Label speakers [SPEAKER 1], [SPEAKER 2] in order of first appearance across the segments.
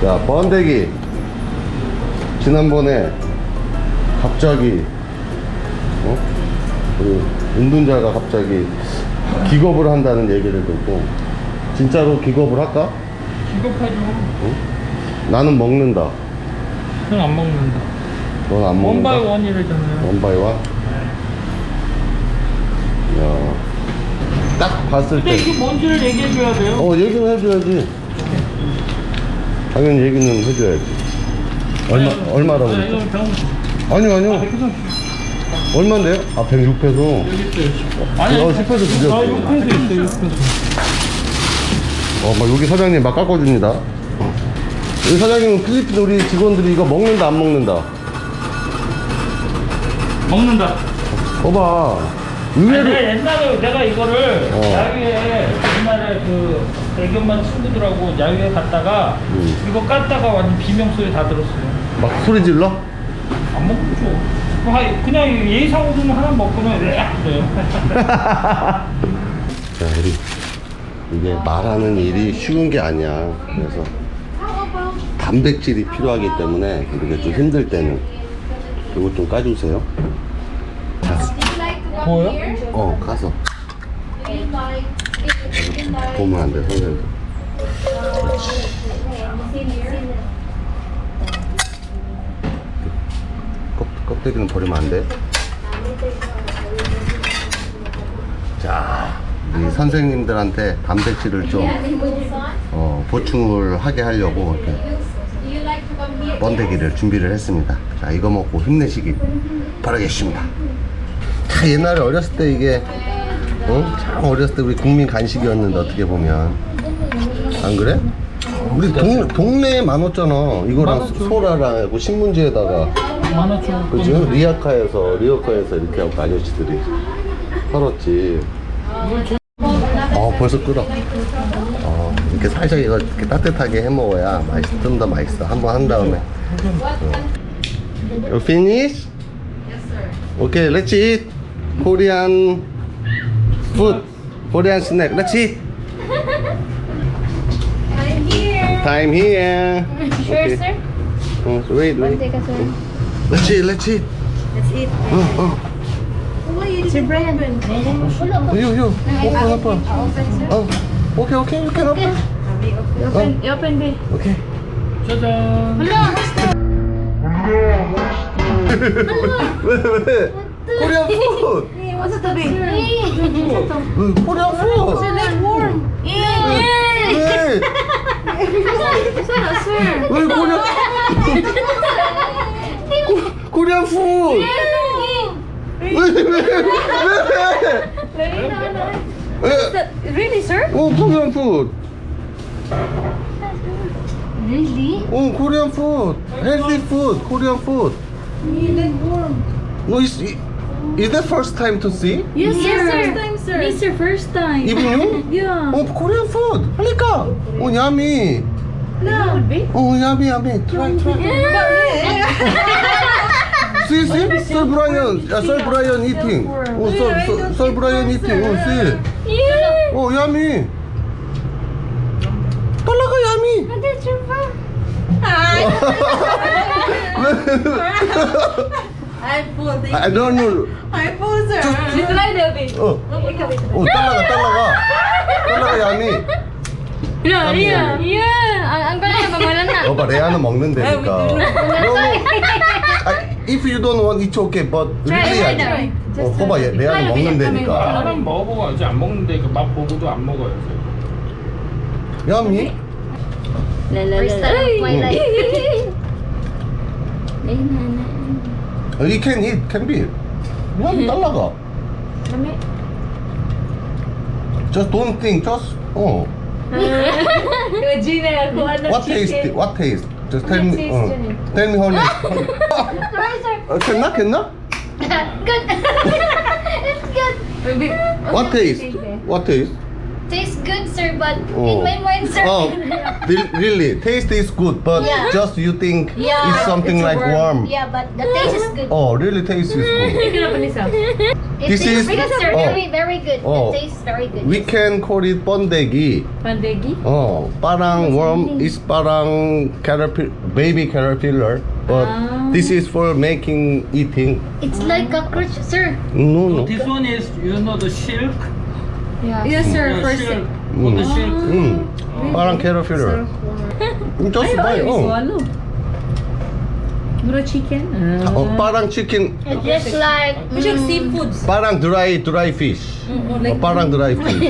[SPEAKER 1] 야, 번데기. 지난번에 갑자기 우리 운동자가 갑자기 기겁을 한다는 얘기를 듣고 진짜로 기겁을 할까?
[SPEAKER 2] 기겁하죠.
[SPEAKER 1] 나는 먹는다.
[SPEAKER 2] 넌 안 먹는다.
[SPEAKER 1] 넌 안 먹는다?
[SPEAKER 2] 원바이 원이래잖아요.
[SPEAKER 1] 원바이 원? 야, 딱 봤을
[SPEAKER 2] 근데
[SPEAKER 1] 때
[SPEAKER 2] 이게 뭔지를 얘기해줘야 돼요.
[SPEAKER 1] 얘기는 해줘야지. 당연히 얘기는 해줘야지. 얼마라고
[SPEAKER 2] 아,
[SPEAKER 1] 그랬죠?
[SPEAKER 2] 이거 병원.
[SPEAKER 1] 아니요. 얼마인데요? 아, 106페소.
[SPEAKER 2] 여기 있어요.
[SPEAKER 1] 10페소 주죠.
[SPEAKER 2] 아, 6페소 있어요. 6페소.
[SPEAKER 1] 막 여기 사장님 막 깎아줍니다. 여기 사장님은 필리핀 우리 직원들이 이거 먹는다 안 먹는다?
[SPEAKER 2] 먹는다.
[SPEAKER 1] 봐봐.
[SPEAKER 2] 아니,
[SPEAKER 1] 의외로
[SPEAKER 2] 옛날에 내가 이거를 야유회 옛날에 그 애견반 친구들하고 야유회 갔다가 이거 깠다가 완전 비명소리 다 들었어요.
[SPEAKER 1] 막 소리 질러?
[SPEAKER 2] 안 먹죠. 그냥 예의상으로는 하나 먹고는 그래요.
[SPEAKER 1] 자, 우리 이게 말하는 일이 쉬운 게 아니야. 그래서 단백질이 필요하기 때문에 우리가 좀 힘들 때는 이거 좀 까주세요. 자,
[SPEAKER 2] 뭐요?
[SPEAKER 1] 가서 보면 안 돼, 선생님. 껍데기는 버리면 안 돼. 자, 우리 선생님들한테 단백질을 좀 보충을 하게 하려고 이렇게 번데기를 준비를 했습니다. 자, 이거 먹고 힘내시길 바라겠습니다. 다 옛날에 어렸을 때 이게 참 어렸을 때 우리 국민 간식이었는데 어떻게 보면 안 그래? 우리 동네에 많았잖아. 이거랑
[SPEAKER 2] 많았죠.
[SPEAKER 1] 소라랑 하고 신문지에다가
[SPEAKER 2] 많았죠.
[SPEAKER 1] 그죠? 리어카에서 이렇게 하고 아저씨들이 팔았지. 벌써 끓어. 이렇게 살짝 이거 이렇게 따뜻하게 해 먹어야 좀 더 맛있어. 한번 한 다음에. You finish?
[SPEAKER 3] Yes, sir.
[SPEAKER 1] Okay, let's eat Korean food, Korean snack. Let's eat.
[SPEAKER 3] I'm here.
[SPEAKER 1] Time here.
[SPEAKER 3] Sure,
[SPEAKER 1] Okay.
[SPEAKER 3] sir.
[SPEAKER 1] Wait.
[SPEAKER 3] Take us, sir.
[SPEAKER 1] Let's eat.
[SPEAKER 3] Let's eat. Sir Brian.
[SPEAKER 1] You. Open. Okay. You can open.
[SPEAKER 3] You open, babe.
[SPEAKER 1] Okay.
[SPEAKER 2] 짜잔.
[SPEAKER 1] 왜? Korean food.
[SPEAKER 3] What's the babe?
[SPEAKER 1] Korean food.
[SPEAKER 3] Let's warm.
[SPEAKER 1] 왜?
[SPEAKER 3] Sir.
[SPEAKER 1] 왜 Korean food? 왜?
[SPEAKER 3] Really, sir?
[SPEAKER 1] Korean food.
[SPEAKER 3] Really?
[SPEAKER 1] Korean food. Healthy food. Korean food.
[SPEAKER 3] Let's warm.
[SPEAKER 1] No, is that first time to see?
[SPEAKER 3] Yes, sir. First time, sir.
[SPEAKER 4] This is your first time.
[SPEAKER 1] Even you?
[SPEAKER 4] Yeah.
[SPEAKER 1] Korean food. 할까? yummy.
[SPEAKER 3] No. Would be.
[SPEAKER 1] Yummy. Try. See? Sir Brian eating. Sir Brian eating. See?
[SPEAKER 4] Yeah.
[SPEAKER 1] Yummy. talaga yummy.
[SPEAKER 4] That's your fun.
[SPEAKER 3] I'm full.
[SPEAKER 1] I don't know.
[SPEAKER 3] I'm full, sir.
[SPEAKER 4] Try the bit.
[SPEAKER 1] talaga yummy.
[SPEAKER 4] Yeah. Ang galing na pamalan na.
[SPEAKER 1] 여봐, 레아는 먹는다니까. If you don't want, it's okay. But really,
[SPEAKER 4] try.
[SPEAKER 1] 봐봐, 레아는 먹는다니까.
[SPEAKER 2] 사람 먹어보고 아직 안 먹는데 그 맛 보고도 안 먹어요.
[SPEAKER 1] Yummy.
[SPEAKER 4] First time of my life.
[SPEAKER 1] You can eat, can be. Yummy talaga. Just don't think,
[SPEAKER 4] Gina, kung ano
[SPEAKER 1] What taste? Just tell me. Tell me how it. Can?
[SPEAKER 4] Good. It's good.
[SPEAKER 1] What taste?
[SPEAKER 4] tastes good, sir, but
[SPEAKER 1] Oh.
[SPEAKER 4] in my mind, sir.
[SPEAKER 1] Oh, really? Taste is good, but
[SPEAKER 4] Yeah.
[SPEAKER 1] just you think
[SPEAKER 4] Yeah,
[SPEAKER 1] it's something
[SPEAKER 3] it's a
[SPEAKER 1] like
[SPEAKER 3] worm.
[SPEAKER 1] warm.
[SPEAKER 4] Yeah, but the taste is good.
[SPEAKER 1] Oh, really? Taste is good.
[SPEAKER 4] It
[SPEAKER 1] This
[SPEAKER 4] tastes
[SPEAKER 1] is-
[SPEAKER 4] good, sir.
[SPEAKER 1] oh.
[SPEAKER 4] Very, very good.
[SPEAKER 1] Oh.
[SPEAKER 4] The taste is very good.
[SPEAKER 1] We can call it 번데기.
[SPEAKER 3] Pandegi?
[SPEAKER 1] Parang worm is parang baby caterpillar, but this is for making eating.
[SPEAKER 4] It's like cockroach, sir.
[SPEAKER 1] No.
[SPEAKER 2] This one is, you know, the silk.
[SPEAKER 3] Yes, sir.
[SPEAKER 2] Yeah,
[SPEAKER 3] First
[SPEAKER 2] silk. Oh, the silk.
[SPEAKER 1] parang caterpillar. Just buy.
[SPEAKER 3] swallow. Mura chicken?
[SPEAKER 1] parang chicken.
[SPEAKER 4] It's just like
[SPEAKER 3] Which like seafoods.
[SPEAKER 1] Parang dry fish. Parang dry fish.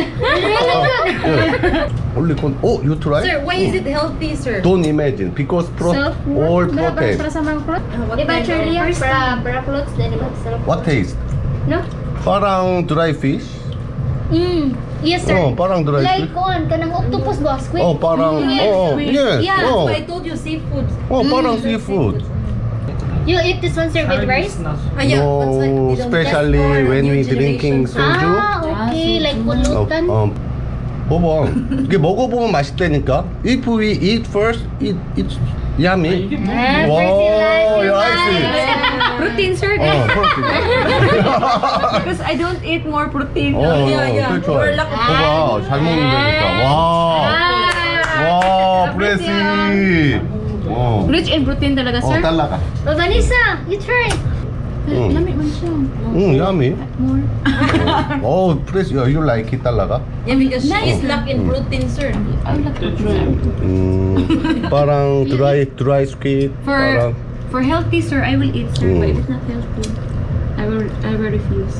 [SPEAKER 1] Only oh, you try?
[SPEAKER 3] Sir, why is it healthy, sir?
[SPEAKER 1] Don't imagine because all protein.
[SPEAKER 3] What
[SPEAKER 4] Diba,
[SPEAKER 3] kind
[SPEAKER 4] Charlie,
[SPEAKER 3] of-
[SPEAKER 4] para clothes, then mag-sarap.
[SPEAKER 1] What taste?
[SPEAKER 4] No?
[SPEAKER 1] Parang dry fish.
[SPEAKER 4] Yes, sir.
[SPEAKER 1] Oh, parang dry
[SPEAKER 4] Like
[SPEAKER 1] fish.
[SPEAKER 4] kuan, kanang octopus ba? Squid?
[SPEAKER 1] Oh, parang yes.
[SPEAKER 3] Yeah, that's
[SPEAKER 1] Oh,
[SPEAKER 3] why I told you seafoods.
[SPEAKER 1] parang seafood.
[SPEAKER 4] You eat this one, sir, with rice?
[SPEAKER 3] Ah, yeah, it's like,
[SPEAKER 1] No,
[SPEAKER 3] you know,
[SPEAKER 1] especially
[SPEAKER 3] that's for
[SPEAKER 1] when
[SPEAKER 3] new
[SPEAKER 1] we drinking
[SPEAKER 3] generation.
[SPEAKER 1] soju.
[SPEAKER 4] Okay, like pulutan.
[SPEAKER 1] 봐봐. 이게 먹어보면 맛있다니까. If we eat first, it's yummy.
[SPEAKER 2] 이게 뭐?
[SPEAKER 1] Wow,
[SPEAKER 4] you
[SPEAKER 1] I see.
[SPEAKER 3] Protein, sir.
[SPEAKER 1] protein.
[SPEAKER 3] Because I don't eat more protein.
[SPEAKER 1] 그렇죠.
[SPEAKER 3] Or lack of
[SPEAKER 1] 봐봐, 잘 먹는다니까. 와, 프레시.
[SPEAKER 3] Rich in protein talaga, sir.
[SPEAKER 1] 달라가.
[SPEAKER 4] Oh, Vanessa, you try.
[SPEAKER 3] Lamig man siya.
[SPEAKER 1] yummy. 프레시, you like it 달라가?
[SPEAKER 3] Yeah, because she is lack in protein, sir.
[SPEAKER 1] parang dry squid. parang.
[SPEAKER 5] For healthy, sir, I will eat, sir. But if it's not healthy, I will refuse.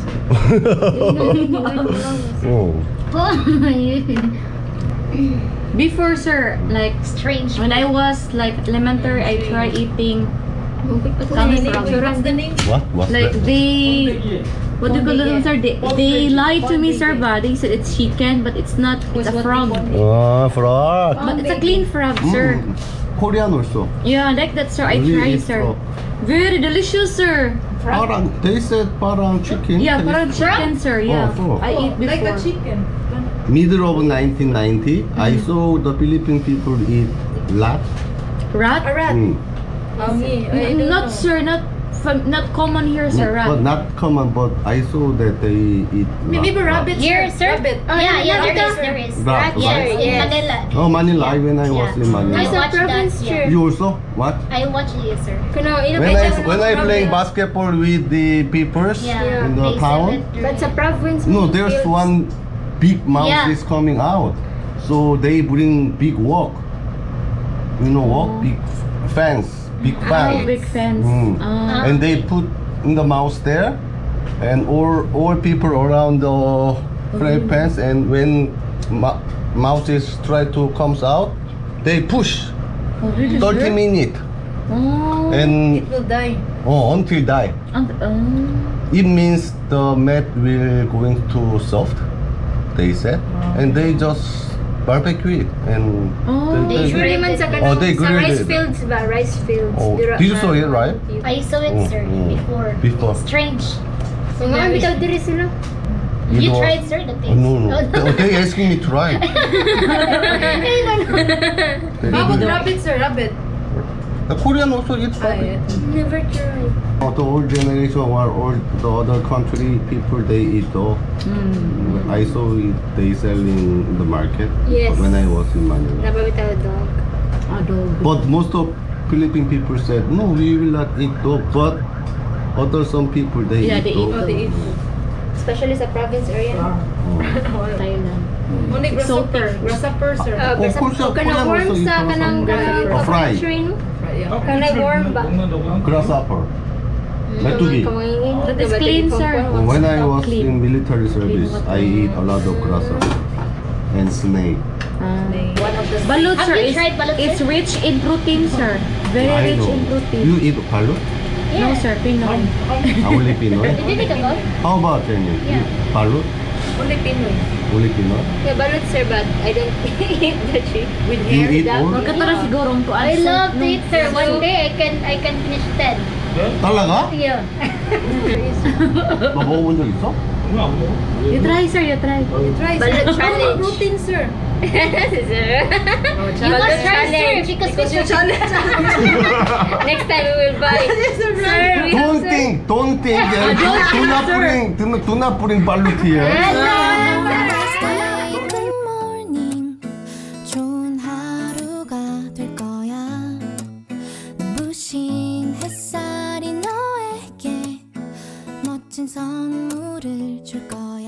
[SPEAKER 5] Before, sir, like
[SPEAKER 4] Strange.
[SPEAKER 5] when I was like elementary, I tried eating cauliflower.
[SPEAKER 3] What's the name?
[SPEAKER 1] What's
[SPEAKER 5] Like
[SPEAKER 1] that?
[SPEAKER 5] they, what do you call them, sir? They lied to me, sir. But they said it's chicken, but it's not. It's a frog.
[SPEAKER 1] frog.
[SPEAKER 5] But it's a clean frog, sir.
[SPEAKER 1] Korean also.
[SPEAKER 5] Yeah, like that, sir. I
[SPEAKER 1] We
[SPEAKER 5] tried,
[SPEAKER 1] eat
[SPEAKER 5] sir.
[SPEAKER 1] frog.
[SPEAKER 5] Very delicious, sir.
[SPEAKER 1] Parang, they said parang chicken.
[SPEAKER 5] Yeah, parang chicken, sir. Yeah,
[SPEAKER 1] frog.
[SPEAKER 5] I eat before.
[SPEAKER 3] Like the chicken.
[SPEAKER 1] Middle of 1990, I saw the Philippine people eat rat.
[SPEAKER 5] Rat?
[SPEAKER 3] A rat.
[SPEAKER 1] Mm.
[SPEAKER 3] I don't
[SPEAKER 5] Not,
[SPEAKER 3] know.
[SPEAKER 5] sir. Not common here, sir.
[SPEAKER 1] But
[SPEAKER 5] Rat.
[SPEAKER 1] not common, but I saw that they eat
[SPEAKER 3] Maybe rabbit,
[SPEAKER 4] Here, sir?
[SPEAKER 3] Rabbit.
[SPEAKER 4] Yeah, there is.
[SPEAKER 1] Rat,
[SPEAKER 4] Yes,
[SPEAKER 1] right?
[SPEAKER 4] in Manila.
[SPEAKER 1] Oh, Manila, when I was in
[SPEAKER 4] I
[SPEAKER 1] Manila.
[SPEAKER 4] watched that. Yeah.
[SPEAKER 1] You also? What?
[SPEAKER 4] I watched it, sir.
[SPEAKER 1] When I playing basketball with the peoples
[SPEAKER 4] Yeah.
[SPEAKER 1] in the
[SPEAKER 4] they
[SPEAKER 1] town,
[SPEAKER 4] sell it.
[SPEAKER 6] That's a province.
[SPEAKER 1] no, there's one big mouse
[SPEAKER 4] Yeah.
[SPEAKER 1] is coming out. So they bring big wok. You know wok? Big fence. Big
[SPEAKER 5] Oh,
[SPEAKER 1] fence.
[SPEAKER 5] big fence.
[SPEAKER 1] And they put in the mouse there, and all people around the fry pans, and when mouses try to comes out, they push
[SPEAKER 5] Oh, really,
[SPEAKER 1] 30
[SPEAKER 5] sir?
[SPEAKER 1] minutes
[SPEAKER 5] Oh.
[SPEAKER 1] and
[SPEAKER 3] It will die.
[SPEAKER 1] until die. It means the meat will going too soft, they said, and they just barbecue it and
[SPEAKER 6] They grill naman sa
[SPEAKER 1] Oh, they
[SPEAKER 6] sa
[SPEAKER 1] grill
[SPEAKER 6] rice
[SPEAKER 1] it.
[SPEAKER 6] fields ba? Rice fields.
[SPEAKER 1] Oh, did you saw it, right?
[SPEAKER 4] I saw it, sir, before.
[SPEAKER 1] Before.
[SPEAKER 4] Strange.
[SPEAKER 6] So nga bitaw diri sila.
[SPEAKER 4] You
[SPEAKER 1] know-
[SPEAKER 4] tried, sir, the taste?
[SPEAKER 1] No. They asking me to try.
[SPEAKER 3] How about rabbit, sir? Rabbit.
[SPEAKER 1] The Korean also eat rabbit.
[SPEAKER 6] Never tried.
[SPEAKER 1] The old generation or all the other country people they eat though. I saw it they selling in the market
[SPEAKER 6] Yes.
[SPEAKER 1] when I was in Manila.
[SPEAKER 6] Nababitaw dog.
[SPEAKER 1] But most of Philippine people said no, we will not eat dog. But other some people they
[SPEAKER 5] Yeah,
[SPEAKER 1] eat
[SPEAKER 5] they
[SPEAKER 1] dog.
[SPEAKER 5] eat
[SPEAKER 3] They eat.
[SPEAKER 6] Especially sa province area.
[SPEAKER 5] Thailand.
[SPEAKER 3] Only grasshopper.
[SPEAKER 5] Salter.
[SPEAKER 3] Grasshopper, sir.
[SPEAKER 1] Of course,
[SPEAKER 6] Kanang
[SPEAKER 1] Korean
[SPEAKER 6] worm
[SPEAKER 1] also eat
[SPEAKER 6] sa kanang
[SPEAKER 1] grasshopper. Fry.
[SPEAKER 6] train.
[SPEAKER 3] Yeah.
[SPEAKER 6] Kanang worm ba?
[SPEAKER 1] Grasshopper. Metugi.
[SPEAKER 5] That is clean, sir.
[SPEAKER 1] When I was
[SPEAKER 5] Clean.
[SPEAKER 1] in military service,
[SPEAKER 5] water.
[SPEAKER 1] I eat a lot of grasshopper and snake.
[SPEAKER 3] One of the
[SPEAKER 5] Balut,
[SPEAKER 4] Have
[SPEAKER 5] sir,
[SPEAKER 4] you tried balut,
[SPEAKER 5] it's
[SPEAKER 4] sir?
[SPEAKER 5] rich in protein, sir. Very
[SPEAKER 1] I
[SPEAKER 5] rich
[SPEAKER 1] know.
[SPEAKER 5] in protein.
[SPEAKER 1] You eat balut?
[SPEAKER 5] No, sir, Pinoy.
[SPEAKER 1] Only Pinoy?
[SPEAKER 4] Did you take a call?
[SPEAKER 1] How about Jenny?
[SPEAKER 4] Yeah.
[SPEAKER 1] Balut?
[SPEAKER 3] only Pinoy.
[SPEAKER 1] Only Pinoy?
[SPEAKER 6] Yeah, balut sir, but I don't eat the chick.
[SPEAKER 3] With
[SPEAKER 1] You
[SPEAKER 3] hair.
[SPEAKER 1] eat all?
[SPEAKER 5] Magkatara sigurong ko.
[SPEAKER 4] I love to eat, sir. One day I can finish 10.
[SPEAKER 1] talaga?
[SPEAKER 4] Yeah.
[SPEAKER 1] 너 먹어본 적 있어?
[SPEAKER 2] 이거 안 먹어?
[SPEAKER 5] You try, sir. You try.
[SPEAKER 3] Try,
[SPEAKER 6] Balut
[SPEAKER 3] sir.
[SPEAKER 6] challenge.
[SPEAKER 3] Protein, sir.
[SPEAKER 6] You must challenge.
[SPEAKER 3] Because you challenge.
[SPEAKER 6] Next time we will buy.
[SPEAKER 3] Sir, right?
[SPEAKER 1] Don't think. Do not bring balut here.
[SPEAKER 7] Good morning. 좋은 하루가 될 거야. 눈부신 햇살이 너에게 멋진 선물을 줄 거야.